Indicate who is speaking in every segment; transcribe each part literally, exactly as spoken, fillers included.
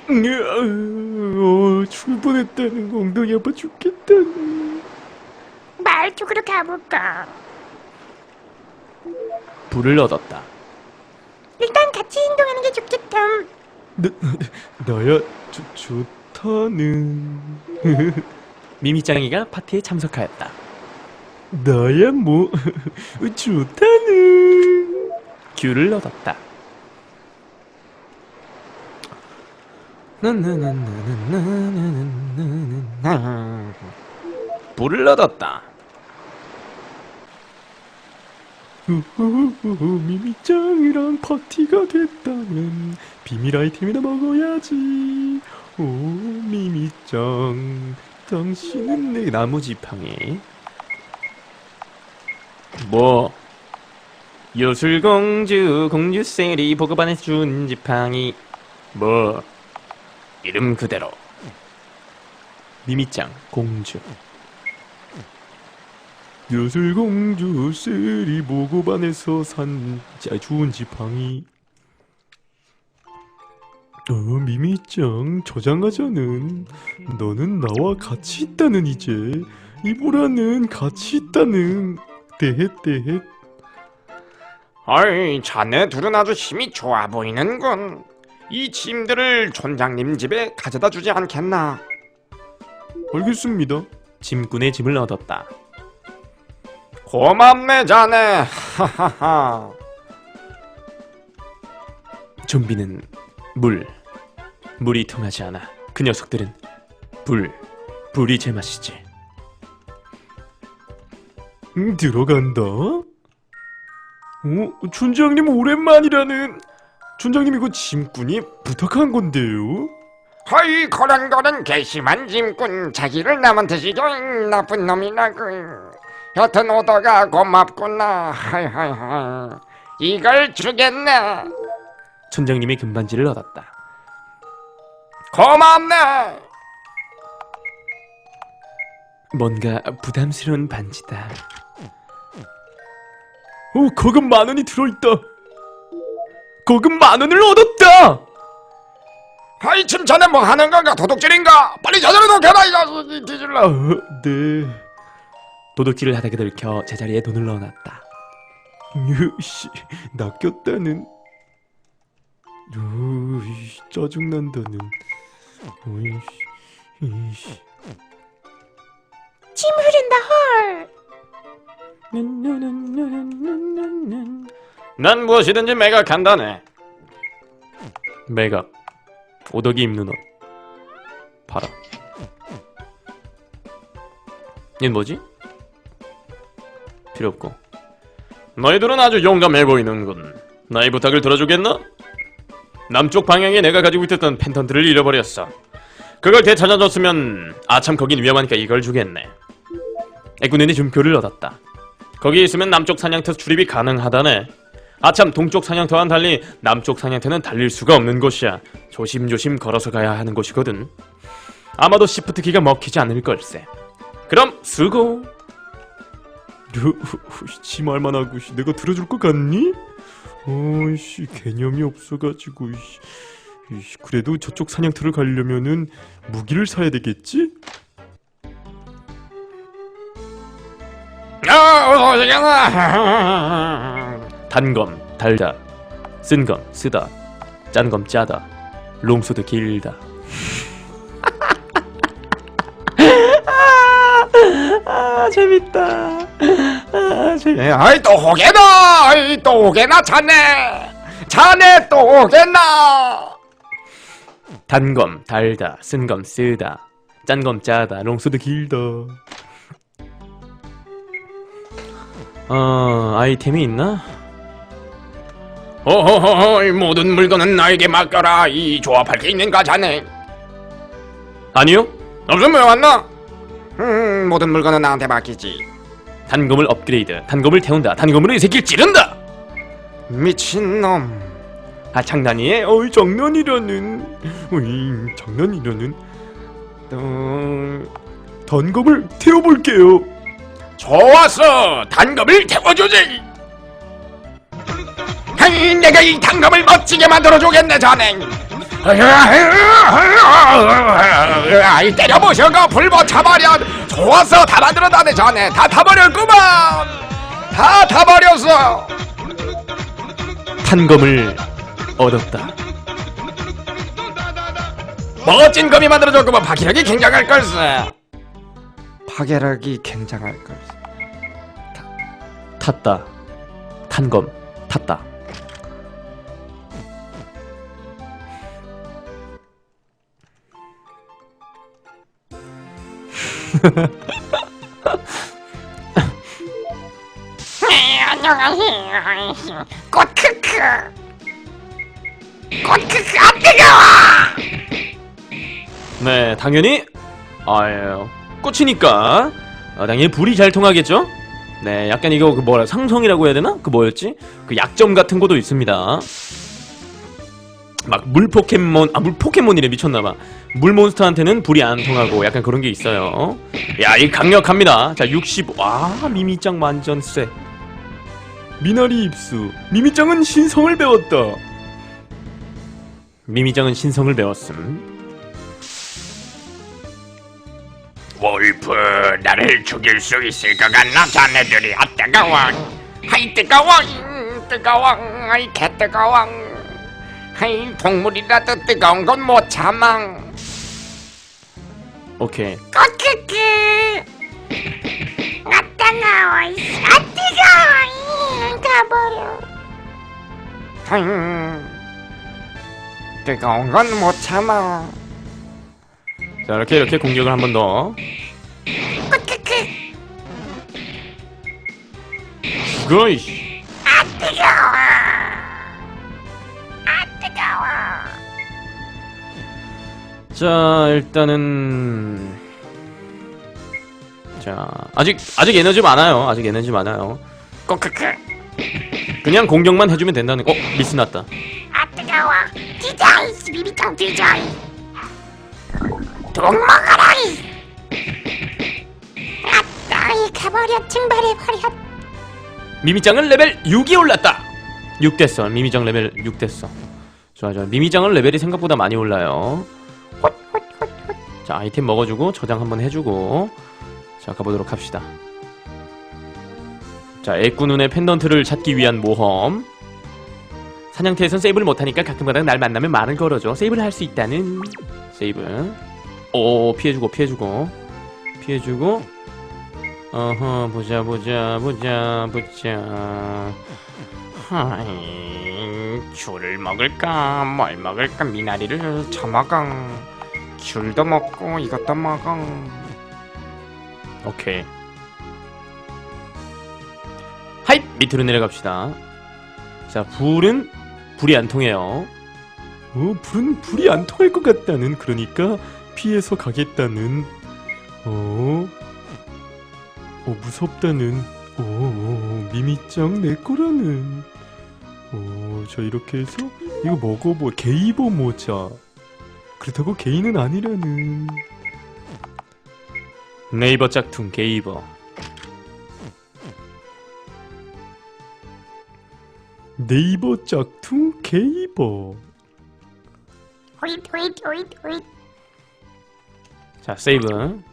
Speaker 1: 어, 죽을 뻔했다는 엉덩이 아파 죽겠다는.
Speaker 2: 말쪽으로 가볼까?
Speaker 3: 불을 얻었다.
Speaker 2: 일단 같이 행동하는 게 좋겠다.
Speaker 1: 나, 나야 좋, 좋다는.
Speaker 3: 미미짱이가 파티에 참석하였다.
Speaker 1: 나야 뭐 좋다는.
Speaker 3: 귤을 얻었다. 불을 얻었다.
Speaker 1: 우후후후, 미미짱이랑 파티가 됐다면 비밀 아이템이나 먹어야지. 오 미미짱, 당신은 내
Speaker 3: 나무지팡이. 뭐 요술공주 공주셀이 보고반에서 준 지팡이. 뭐 이름 그대로 미미짱 공주.
Speaker 1: 요술공주 셀이 보고반에서 산 자, 좋은 지팡이. 어 미미짱, 저장하자는. 너는 나와 같이 있다는. 이제 이보라는 같이 있다는. 대헷 대헷.
Speaker 4: 어이, 자네 둘은 아주 힘이 좋아 보이는군. 이 짐들을 촌장님 집에 가져다 주지 않겠나?
Speaker 1: 알겠습니다.
Speaker 3: 짐꾼의 짐을 얻었다.
Speaker 4: 고맙네 자네. 하하하.
Speaker 3: 좀비는 물, 물이 통하지 않아. 그 녀석들은 불, 불이 제맛이지.
Speaker 1: 음, 들어간다. 어? 촌장님 오랜만이라는. 촌장님 이거 짐꾼이 부탁한 건데요.
Speaker 4: 허이, 그런 거는 괘씸한 짐꾼. 자기를 남한테 시켜 나쁜 놈이라고. 여튼 오더가 고맙구나. 하이하이하이. 이걸 주겠네.
Speaker 3: 촌장님의 금반지를 얻었다.
Speaker 4: 고맙네.
Speaker 3: 뭔가 부담스러운 반지다.
Speaker 1: 어, 거금 만 원이 들어있다. 거금 만 원을 얻었다.
Speaker 4: 하이, 침 자네 뭐 하는 건가? 도둑질인가? 빨리 제자리에 놓겨라 이 자식이. 뒤질라.
Speaker 1: 아, 네.
Speaker 3: 도둑질을 하다가 들켜 제자리에 돈을 넣어놨다.
Speaker 1: 으씨, 낚였다는. 으이, 짜증난다는. 으이씨, 이씨.
Speaker 2: 침 흐른다 헐.
Speaker 4: 난 무엇이든지 매각한다네.
Speaker 3: 매각. 오덕이 입는 옷 팔아. 얘는 뭐지? 필요 없고.
Speaker 4: 너희들은 아주 용감해 보이는군. 나의 부탁을 들어주겠나? 남쪽 방향에 내가 가지고 있었던 펜턴트를 잃어버렸어. 그걸 되찾아줬으면 아참 거긴 위험하니까 이걸 주겠네.
Speaker 3: 애꾸눈의 준표를 얻었다.
Speaker 4: 거기 있으면 남쪽 사냥터 출입이 가능하다네. 아참 동쪽 사냥터와는 달리 남쪽 사냥터는 달릴 수가 없는 곳이야. 조심조심 걸어서 가야 하는 곳이거든. 아마도 시프트 키가 먹히지 않을 걸세. 그럼 수고.
Speaker 1: 지 말만 하고 씨, 내가 들어줄 것 같니? 어이씨, 개념이 없어가지고. 이씨. 이씨, 그래도 저쪽 사냥터를 가려면은 무기를 사야 되겠지?
Speaker 4: 아, 어서 오시겠나?
Speaker 3: 단검 달다, 쓴검 쓰다, 짠검 짜다, 롱소드 길다. 아, 아 재밌다. 아 재밌다.
Speaker 4: 아이, 또 오게나. 아이, 또 오게나 자네. 자네 또 오겠나?
Speaker 3: 단검 달다, 쓴검 쓰다, 짠검 짜다, 롱소드 길다. 어 아이템이 있나?
Speaker 4: 호호호호, 모든 물건은 나에게 맡겨라. 이 조합할 게 있는가 자네?
Speaker 3: 아니요.
Speaker 4: 없으면 왜 왔나? 음, 모든 물건은 나한테 맡기지.
Speaker 3: 단검을 업그레이드, 단검을 태운다, 단검으로 이 새끼를 찌른다.
Speaker 4: 미친놈.
Speaker 3: 아 장난이에요?
Speaker 1: 어이, 장난이라는. 어이, 장난이라는. 어... 단검을 태워볼게요.
Speaker 4: 좋았어. 단검을 태워주지. 하이, 내가 이 단검을 멋지게 만들어주겠네 자네.
Speaker 5: 아이 때려보셔가 불못 타버려. 좋았어. 다 만들어다네 전에 다 타버렸구만. 다 타버렸어.
Speaker 4: 탄검을 얻었다.
Speaker 5: 멋진 검이 만들어졌구만. 파괴력이 굉장할 걸세. 파괴력이 굉장할 걸세.
Speaker 4: 탔다. 탄검 탔다.
Speaker 2: 네, 안녕하세요. 꽃크크. 꽃크크 안 뜨거워.
Speaker 4: 네, 당연히 아유 꽃이니까 어, 당연히 불이 잘 통하겠죠? 네, 약간 이거 그 뭐라 상성이라고 해야 되나? 그 뭐였지? 그 약점 같은 것도 있습니다. 막 물 포켓몬, 아 물 포켓몬이래. 미쳤나봐. 물 몬스터한테는 불이 안 통하고 약간 그런 게 있어요. 야, 이 강력합니다. 자, 육십오. 아, 미미짱 완전 쎄.
Speaker 1: 미나리 입수. 미미짱은 신성을 배웠다.
Speaker 4: 미미짱은 신성을 배웠음.
Speaker 5: wol프 나를 죽일 수 있을 것 같나? 자네들이. 아 뜨거워. 하이 뜨거워. 음, 뜨거워. 아이 개 뜨거워. 하이 동물이라도 뜨거운 건 못 참아.
Speaker 4: 오케이.
Speaker 2: 꽃크크. 아 뜨거워. 아 뜨거워. 가버려.
Speaker 5: 음, 뜨거운 건 못 참아.
Speaker 4: 자, 이렇게 이렇게 공격을 한 번 더.
Speaker 2: 꽃크크.
Speaker 4: 죽어 이씨.
Speaker 2: 아 뜨거워. 아 뜨거워.
Speaker 4: 자, 일단은 자, 아직 아직 에너지 많아요. 아직 에너지 많아요.
Speaker 2: 꽃크크.
Speaker 4: 그냥 공격만 해주면 된다는. 어, 미스 났다.
Speaker 2: 아 뜨거워. 디자인 비비짱 디자인. 돈 먹어라. 아따 이 가버려. 증발해버려.
Speaker 4: 미미짱은 레벨 육이 올랐다. 육 됐어. 미미짱 레벨 육 됐어. 좋아 좋아. 미미짱은 레벨이 생각보다 많이 올라요. 자, 아이템 먹어주고 저장 한번 해주고 자, 가보도록 합시다. 자, 애꾸눈의 펜던트를 찾기 위한 모험. 사냥터에선 세이브를 못하니까 가끔가다 날 만나면 말을 걸어줘. 세이브를 할 수 있다는. 세이브. 오, 피해주고 피해주고 피해주고. 어허, 보자 보자 보자 보자.
Speaker 5: 하이 귤을 먹을까 뭘 먹을까. 미나리를 처먹어. 귤도 먹고 이것도 먹어.
Speaker 4: 오케이. 하이! 밑으로 내려갑시다. 자, 불은 불이 안 통해요.
Speaker 1: 어, 불은 불이 안 통할 것 같다는. 그러니까 피해서 가겠다는. 어, 어 무섭다는. 오, 오 미미짱 내 거라는. 오, 자 이렇게 해서 이거 먹어보. 게이버 모자. 그렇다고 개인은 아니라는.
Speaker 4: 네이버 짝퉁 게이버.
Speaker 1: 네이버 짝퉁 게이버.
Speaker 2: 호잇 호잇 호잇 호잇.
Speaker 4: 자, 세이브.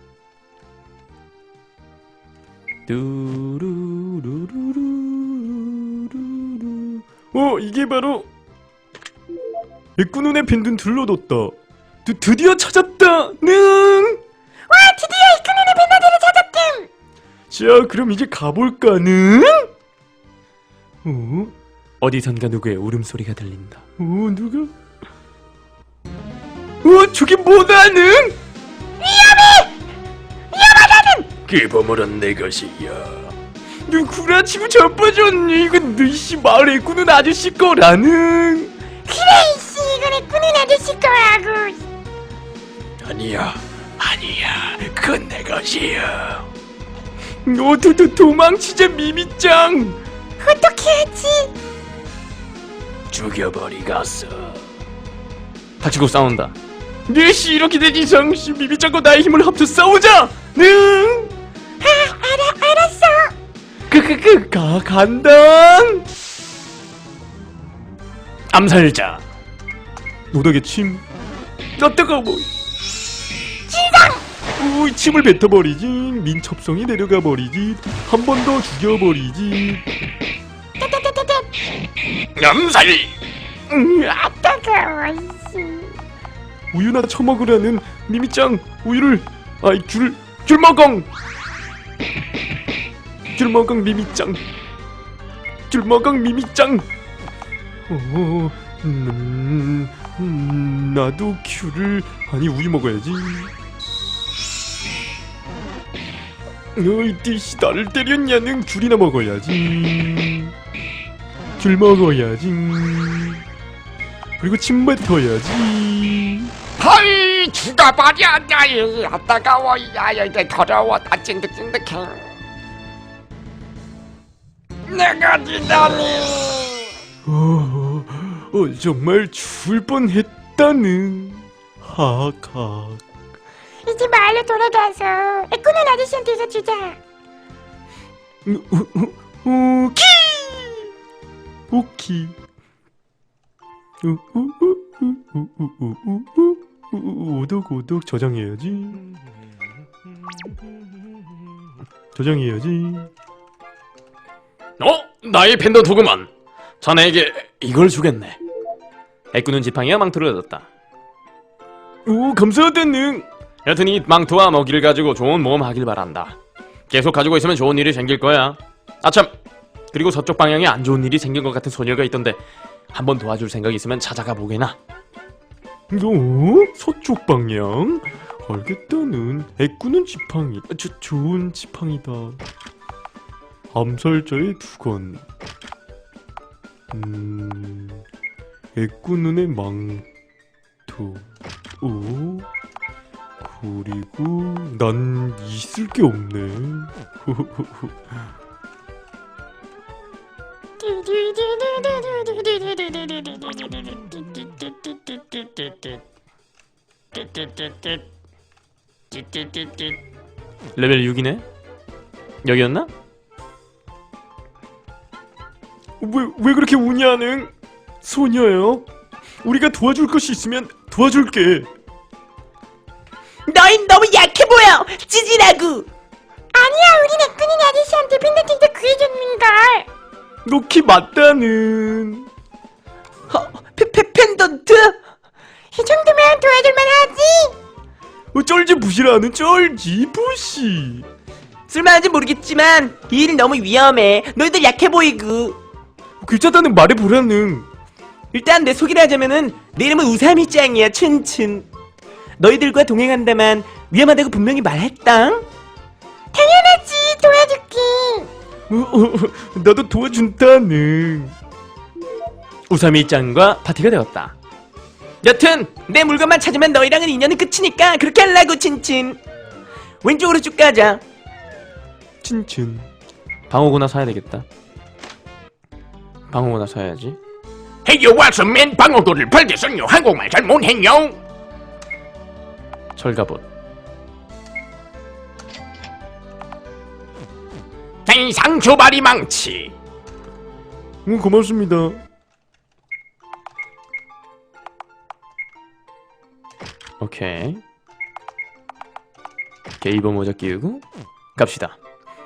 Speaker 4: 뚜루루루루루루.
Speaker 1: 어, 이게 바로 애꾸눈의 빈둔 둘러뒀다. 드, 드디어 찾았다. 능.
Speaker 2: 와 드디어 이큰눈의 밴드를 찾았댐.
Speaker 1: 자, 그럼 이제 가볼까는. 어?
Speaker 4: 어디선가 누구의 울음소리가 들린다.
Speaker 1: 어, 누가? 어, 저게 뭐다는?
Speaker 5: 그 보물은 내 것이야.
Speaker 1: 누구라 치고 자빠졌니? 이건 너씨 마을에 꾸는 아저씨 거라는.
Speaker 2: 그래 이씨 이건 애꾸눈 아저씨 거라고.
Speaker 5: 아니야 아니야 그건 내 것이야.
Speaker 1: 너 도, 도, 도망치자 미미짱.
Speaker 2: 어떻게 하지?
Speaker 5: 죽여버리겠어.
Speaker 4: 닥치고 싸운다.
Speaker 1: 너씨 이렇게 된 이상 씨 미미짱과 나의 힘을 합쳐 싸우자. 능.
Speaker 2: 아 알아 알았어.
Speaker 1: 그그그 가 간다.
Speaker 4: 암살자.
Speaker 1: 노닥의 침. 나 뜨거워. 우 침을 뱉어버리지. 민첩성이 내려가 버리지. 한 번 더 죽여버리지.
Speaker 5: 염살.
Speaker 2: 음, 아 따가워. 이씨.
Speaker 1: 우유나 처먹으라는 미미짱. 우유를 아이 귤 귤먹엉. 귤먹엉 미미짱. 귤먹엉 미미짱. 어, 음, 음, 나도 귤을 아니 우유 먹어야지. 어이 띠씨 나를 때렸냐는 귤이나 먹어야지. 귤 먹어야지. 그리고 침 뱉어야지.
Speaker 5: 하이 죽어버려. 야이 아 따가워. 야야 이게 더러워. 나 찐득찐득해. 내가 지다니.
Speaker 1: 어, 어 정말 죽을 뻔했다는. 하하.
Speaker 2: 이제 마을로 돌아가서 꾸는 아저씨한테서 주자.
Speaker 1: 오키 오키 오독 오독 저장해야지. 저장해야지.
Speaker 4: 어? 나의 팬더 도그만. 자네에게 이걸 주겠네. 애꾸는 지팡이가 망토를 얻었다.
Speaker 1: 오 감사하다는.
Speaker 4: 여튼 이 망토와 먹이를 가지고 좋은 모험 하길 바란다. 계속 가지고 있으면 좋은 일이 생길 거야. 아참, 그리고 서쪽 방향에 안 좋은 일이 생긴 것 같은 소녀가 있던데 한번 도와줄 생각 있으면 찾아가 보게나.
Speaker 1: 너 서쪽 방향? 알겠다는. 애꾸는 지팡이. 저, 좋은 지팡이다. 암살자의 두건. 음... 애꾸눈의 망토. 오? 그리고 난 있을 게 없네.
Speaker 4: 레벨 육이네? 여기였나?
Speaker 1: 왜, 왜 그렇게 우냐는? 소녀요? 우리가 도와줄 것이 있으면 도와줄게.
Speaker 6: 너흰 너무 약해 보여. 찌질하고.
Speaker 2: 아니야, 우린 애꾸는 아저씨한테 팬더팅도 구해줬는걸.
Speaker 1: 놓기 맞다는.
Speaker 6: 어, 페페 펜던트?
Speaker 2: 이 정도면 도와줄만 하지.
Speaker 1: 어, 쩔지 부시라는 쩔지 부시.
Speaker 6: 쓸만한지 모르겠지만 이 일은 너무 위험해. 너희들 약해 보이고.
Speaker 1: 괜찮다는 말해보라는.
Speaker 6: 일단 내 소개를 하자면은 내 이름은 우사미짱이야. 춘춘. 너희들과 동행한다만 위험하다고 분명히 말했다.
Speaker 2: 당연하지, 도와줄게.
Speaker 1: 어, 어, 나도 도와준다는.
Speaker 4: 우사미짱과 파티가 되었다.
Speaker 6: 여튼 내 물건만 찾으면 너희랑은 인연은 끝이니까 그렇게 하려고. 친친. 왼쪽으로 쭉 가자.
Speaker 1: 친친.
Speaker 4: 방어구나 사야 되겠다. 방어구나 사야지.
Speaker 5: 해요 왔으면 방어구를 팔겠어요. 한국말 잘 못해요.
Speaker 4: 철갑옷.
Speaker 5: 상초바리 망치.
Speaker 1: 응, 고맙습니다.
Speaker 4: 오케이. 게이버 모자 끼우고 갑시다.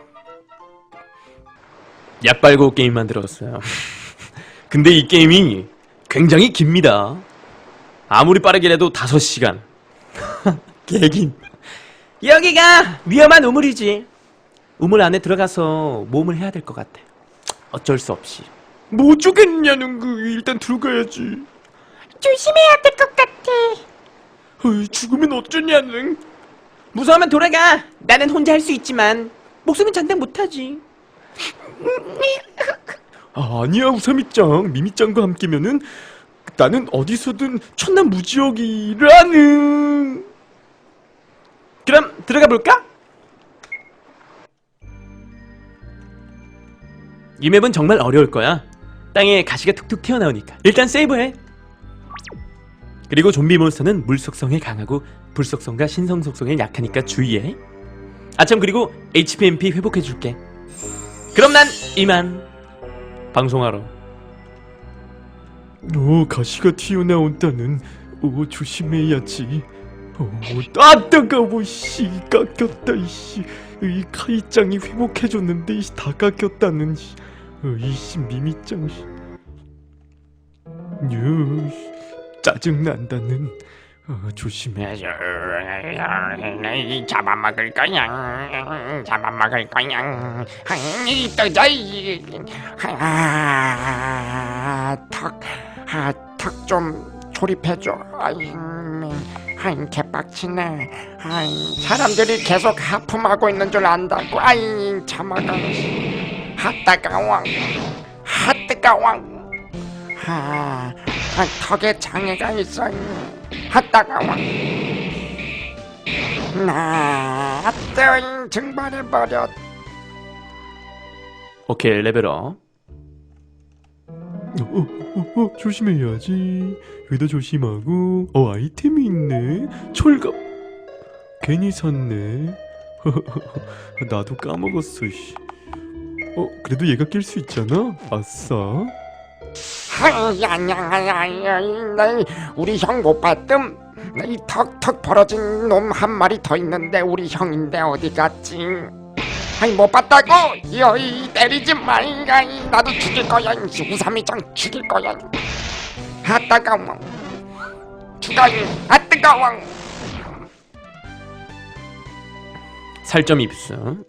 Speaker 4: 약 빨고 게임 만들었어요. 근데 이 게임이 굉장히 깁니다. 아무리 빠르게라도 다섯 시간. 개긴.
Speaker 6: 여기가 위험한 우물이지. 우물 안에 들어가서 모험을 해야 될 것 같아.
Speaker 4: 어쩔 수 없이.
Speaker 1: 뭐 어쩌겠냐는 그 일단 들어가야지.
Speaker 2: 조심해야 될 것 같아.
Speaker 1: 어이, 죽으면 어쩌냐는.
Speaker 6: 무서우면 돌아가. 나는 혼자 할 수 있지만 목숨은 장담 못하지.
Speaker 1: 아, 아니야 우사미짱 미미짱과 함께면은 나는 어디서든 천남무지역이라는.
Speaker 6: 그럼 들어가 볼까?
Speaker 4: 이 맵은 정말 어려울 거야. 땅에 가시가 툭툭 튀어나오니까. 일단 세이브해. 그리고 좀비 몬스터는 물 속성에 강하고 불 속성과 신성 속성에 약하니까 주의해. 아참, 그리고 에이치피 회복해줄게. 그럼 난 이만. 방송하러.
Speaker 1: 오, 가시가 튀어나온다는. 오, 조심해야지. 어, 아 따가워. 씨, 깎였다. 이씨, 이 카이짱이 회복해줬는데 이씨 다 깎였다는. 씨. 어, 이씨 미미짱. 씨. 유, 짜증 난다는. 어, 조심해.
Speaker 5: 잡아먹을 거야. 잡아먹을 거야. 이 뜨자. 턱, 아, 턱 좀 조립해줘. 아이, 아이, 개빡치네. 아이, 사람들이 계속 하품하고 있는 줄 안다고. 아이, 참아가. 하 따가워. 하 뜨거워. 아, 아, 턱에 장애가 있어. 하 따가워. 나, 뜨 증발해버렸.
Speaker 3: 오케이, 레벨업.
Speaker 1: 어, 어, 어, 어, 조심해야지. 여기도 조심하고. 어, 아이템이 있네. 철갑. 괜히 샀네. 나도 까먹었어. 씨. 어, 그래도 얘가 낄 수 있잖아. 아싸.
Speaker 5: 하야야야야, 우리 형 못 봤음? 이 턱턱 벌어진 놈 한 마리 더 있는데 우리 형인데 어디 갔지? 아이 못 봤다고? 여이 때리지 마. 아이 나도 죽일 거야. 우삼이장 죽일 거야. 아 따가워. 죽어. 아 뜨거워.
Speaker 3: 살점 입수.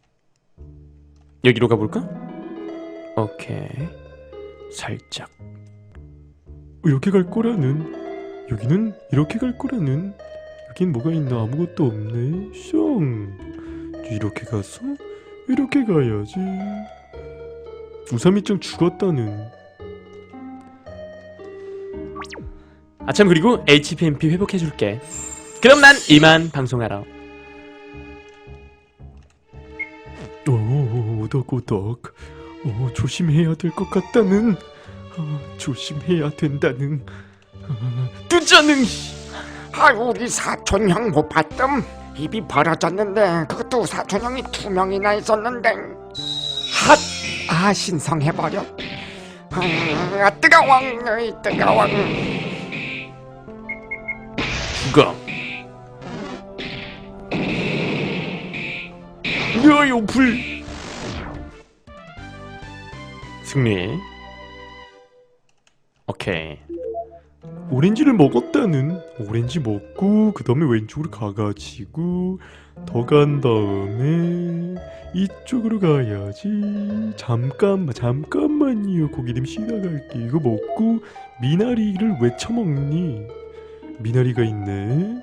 Speaker 3: 여기로 가볼까? 오케이. 살짝.
Speaker 1: 이렇게 갈 거라는. 여기는 이렇게 갈 거라는. 여긴 뭐가 있나? 아무것도 없네. 숑. 이렇게 가서 이렇게 가야지. 우삼이짱 죽었다는.
Speaker 3: 아참, 그리고 에이치피엠피 회복해줄게. 그럼 난 이만 방송하러.
Speaker 1: 오, 오덕오덕. 오, 조심해야 될 것 같다는. 아, 조심해야 된다는. 아, 뜨자는.
Speaker 5: 아 우리 사촌 형 못 봤음? 입이 벌어졌는데 그것도 사촌 형이 두 명이나 있었는데. 핫! 아 신성해버려. 아 뜨거워. 으이, 뜨거워.
Speaker 3: 죽어.
Speaker 1: 야요 불.
Speaker 3: 승리. 오케이.
Speaker 1: 오렌지를 먹었다는. 오렌지 먹고 그 다음에 왼쪽으로 가가지고 더 간 다음에 이쪽으로 가야지. 잠깐만 잠깐만요. 고기름 씻어갈게. 이거 먹고 미나리를 왜 처먹니? 미나리가 있네.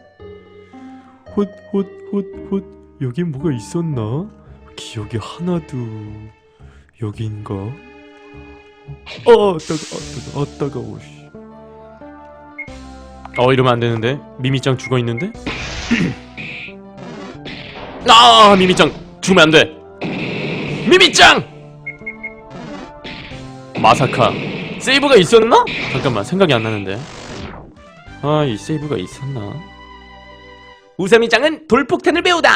Speaker 1: 헛헛헛헛. 여긴 뭐가 있었나? 기억이 하나도. 여긴가? 아 따가 아 따가 아 따가워. 씨.
Speaker 3: 어, 이러면 안 되는데. 미미짱 죽어 있는데. 아, 미미짱 죽으면 안 돼. 미미짱. 마사카. 세이브가 있었나? 잠깐만, 생각이 안 나는데. 아, 이 세이브가 있었나?
Speaker 6: 우삼이짱은 돌폭탄을 배우다.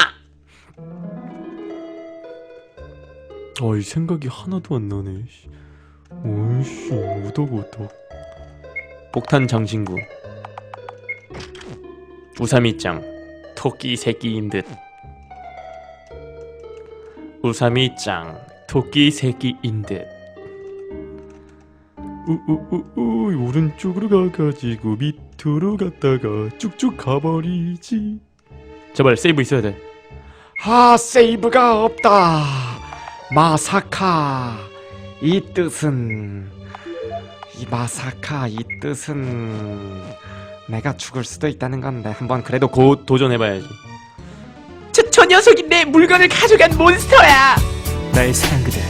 Speaker 1: 아, 이 생각이 하나도 안 나네. 씨. 오이씨, 우덕우덕.
Speaker 3: 폭탄 장신구. 우삼이짱 토끼 새끼인 듯. 우삼이짱 토끼 새끼인 듯.
Speaker 1: 우우우우 오른쪽으로 가가지고 밑으로 갔다가 쭉쭉 가버리지.
Speaker 3: 제발 세이브 있어야 돼.
Speaker 5: 아 세이브가 없다. 마사카 이 뜻은 이 마사카 이 뜻은 내가 죽을 수도 있다는 건데 한번 그래도 고
Speaker 3: 곧 도전해봐야지.
Speaker 6: 저, 저 녀석이 내 물건을 가져간 몬스터야.
Speaker 1: 나의 사랑 그대.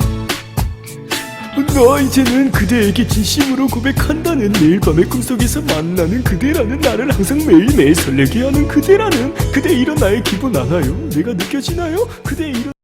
Speaker 1: 나 이제는 그대에게 진심으로 고백한다는. 매일 밤의 꿈속에서 만나는 그대라는. 나를 항상 매일매일 설레게 하는 그대라는. 그대 이런 나의 기분 알아요? 내가 느껴지나요? 그대 이런